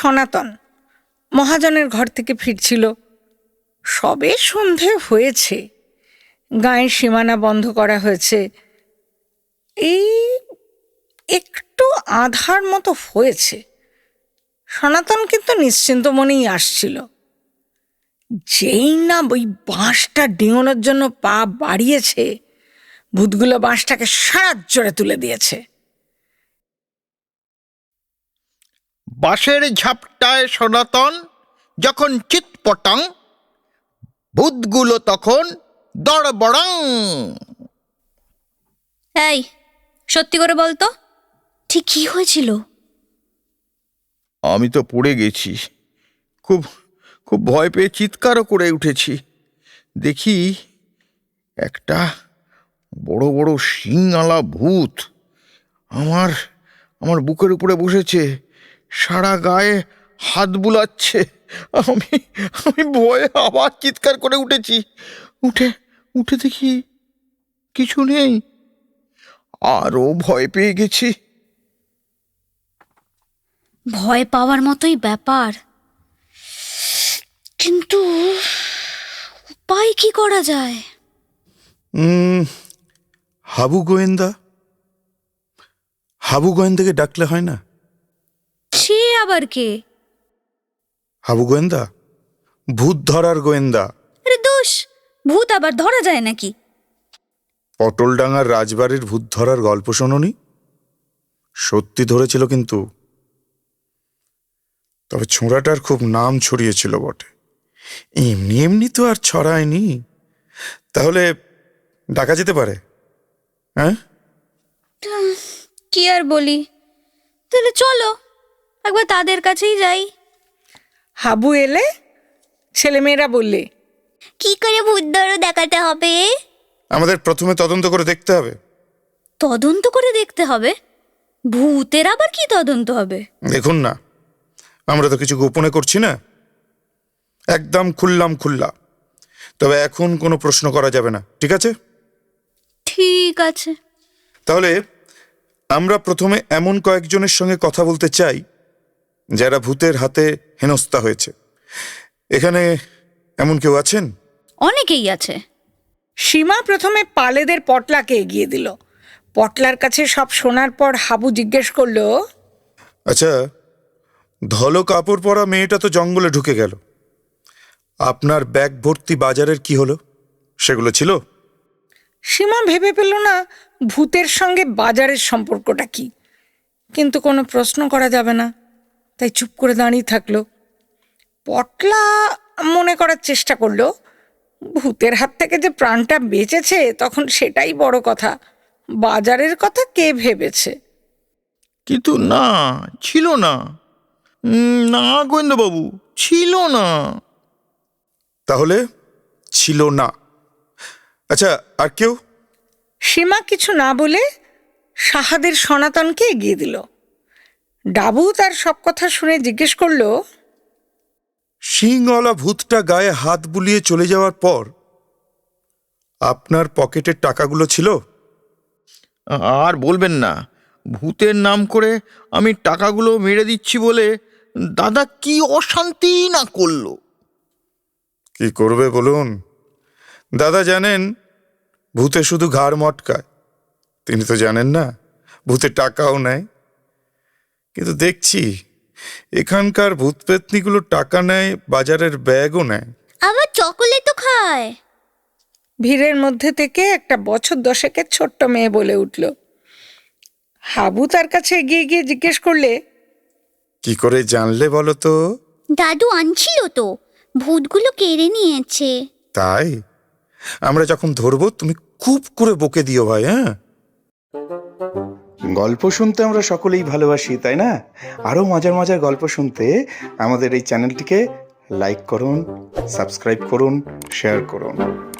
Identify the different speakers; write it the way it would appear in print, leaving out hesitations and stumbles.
Speaker 1: সনাতন মহাজনের ঘর থেকে ফিরছিল। সবে সন্ধে হয়েছে, গায়ের সীমানা বন্ধ করা হয়েছে। এই একটু আধার মতো হয়েছে। সনাতন কিন্তু নিশ্চিন্ত মনেই আসছিল। যেই না ওই বাঁশটা ডিঙোনোর জন্য পা বাড়িয়েছে, ভূতগুলো বাঁশটাকে সারা জোরে তুলে দিয়েছে।
Speaker 2: বাঁশের ঝাপটায় সনাতন যখন চিৎপটাং, ভূতগুলো তখন দড়বড়াং।
Speaker 3: এই, সত্যি করে বলতো, ঠিক কি হয়েছিল?
Speaker 2: আমি তো পড়ে গেছি, খুব খুব ভয় পেয়ে চিৎকারও করে উঠেছি। দেখি একটা বড় বড় শিংওয়ালা ভূত আমার আমার বুকের উপরে বসেছে, সারা গায়ে হাত বুলাচ্ছে। আমি আমি ভয়ে আবার চিৎকার করে উঠেছি। উঠে উঠে দেখি কিছু নেই, আরও ভয় পেয়ে গেছি।
Speaker 3: ভয় পাওয়ার মতোই ব্যাপার, কিন্তু উপায় কি করা যায়?
Speaker 4: হাবু গোয়েন্দাকে ডাকলে হয় না?
Speaker 3: সে আবার কে?
Speaker 4: হাবু গোয়েন্দা, ভূত ধরার গোয়েন্দা।
Speaker 3: আরে দোষ, ভূত আবার ধরা যায় নাকি?
Speaker 4: পটলডাঙ্গার রাজবাড়ির ভূত ধরার গল্প শোনোনি? সত্যি ধরেছিল কিন্তু, তবে ছোঁড়াটার খুব নাম ছড়িয়েছিল বটে। এমনি এমনি তো আর ছড়ায়নি। তাহলে ডাকা যেতে পারে? হ্যাঁ,
Speaker 3: কি আর বলি, তাহলে চলো একবার তাদের কাছেই যাই।
Speaker 1: হাবু এলে ছেলেমেয়েরা বললে,
Speaker 3: কি করে ভূত ধরো দেখাতে হবে?
Speaker 4: আমাদের প্রথমে তদন্ত করে দেখতে হবে।
Speaker 3: তদন্ত করে দেখতে হবে? ভূতের আবার কি তদন্ত হবে?
Speaker 4: দেখুন না, আমরা তো কিছু গোপনে করছি না, একদম খুল্লা। তবে এখন কোনো প্রশ্ন করা যাবে না, ঠিক আছে?
Speaker 3: ঠিক আছে।
Speaker 4: তাহলে আমরা প্রথমে এমন কয়েকজনের সঙ্গে কথা বলতে চাই যারা ভূতের হাতে হেনস্থা হয়েছে। এখানে এমন কেউ আছেন?
Speaker 3: অনেকেই আছে।
Speaker 1: সীমা প্রথমে পালেদের পটলাকে এগিয়ে দিল। পটলার কাছে সব শোনার পর হাবু জিজ্ঞেস করলো,
Speaker 4: আচ্ছা, ধলো কাপড় পরা মেয়েটা তো জঙ্গলে ঢুকে গেল, আপনার ব্যাগ ভর্তি বাজারের কি হলো? সেগুলো ছিল?
Speaker 1: সীমা ভেবে পেল না ভূতের সঙ্গে বাজারের সম্পর্কটা কি, কিন্তু কোনো প্রশ্ন করা যাবে না, তাই চুপ করে দাঁড়িয়ে থাকলো। পটলা মনে করার চেষ্টা করলো ভূতের হাত থেকে যে প্রাণটা বেঁচেছে তখন সেটাই বড় কথা, বাজারের কথা কে ভেবেছে।
Speaker 2: কিন্তু না, ছিল না। না গোয়েন্দাবাবু, ছিল না।
Speaker 4: তাহলে ছিল না। আচ্ছা, আর কেউ?
Speaker 1: সীমা কিছু না বলে সাহাদের সনাতনকে এগিয়ে দিল। ডাবু তার সব কথা শুনে জিজ্ঞেস করলো,
Speaker 4: শিংওয়ালা ভূতটা গায়ে হাত বুলিয়ে চলে যাওয়ার পর আপনার পকেটের টাকাগুলো ছিল?
Speaker 2: আর বলবেন না, ভূতের নাম করে আমি টাকাগুলো মেরে দিচ্ছি বলে দাদা কি অশান্তি না করলো।
Speaker 4: কি করবে বলুন? দাদা জানেন ভূতে শুধু ঘাড় মটকায়, তিনি তো জানেন না ভূতে টাকাও নেয়। কিন্তু দেখছি এখানকার ভূত পেতনিগুলো টাকা নেয়, বাজারের ব্যাগও নেয়,
Speaker 3: আবার চকোলেটও খায়।
Speaker 1: ভিড়ের মধ্যে থেকে একটা বছর 10-এর ছোট্ট মেয়ে বলে উঠল। হাবু তার কাছে এগিয়ে গিয়ে জিজ্ঞেস করলে,
Speaker 4: কি করে জানলে বলো তো?
Speaker 3: দাদু আনছিল তো, ভূতগুলো কেড়ে নিয়েছে।
Speaker 4: তাই? আমরা যখন ধরবো তুমি খুব করে বকে দিও ভাই। হ্যাঁ, গল্প শুনতে আমরা সকলেই ভালোবাসি, তাই না? আরও মজার মজার গল্প শুনতে আমাদের এই চ্যানেলটিকে লাইক করুন, সাবস্ক্রাইব করুন, শেয়ার করুন।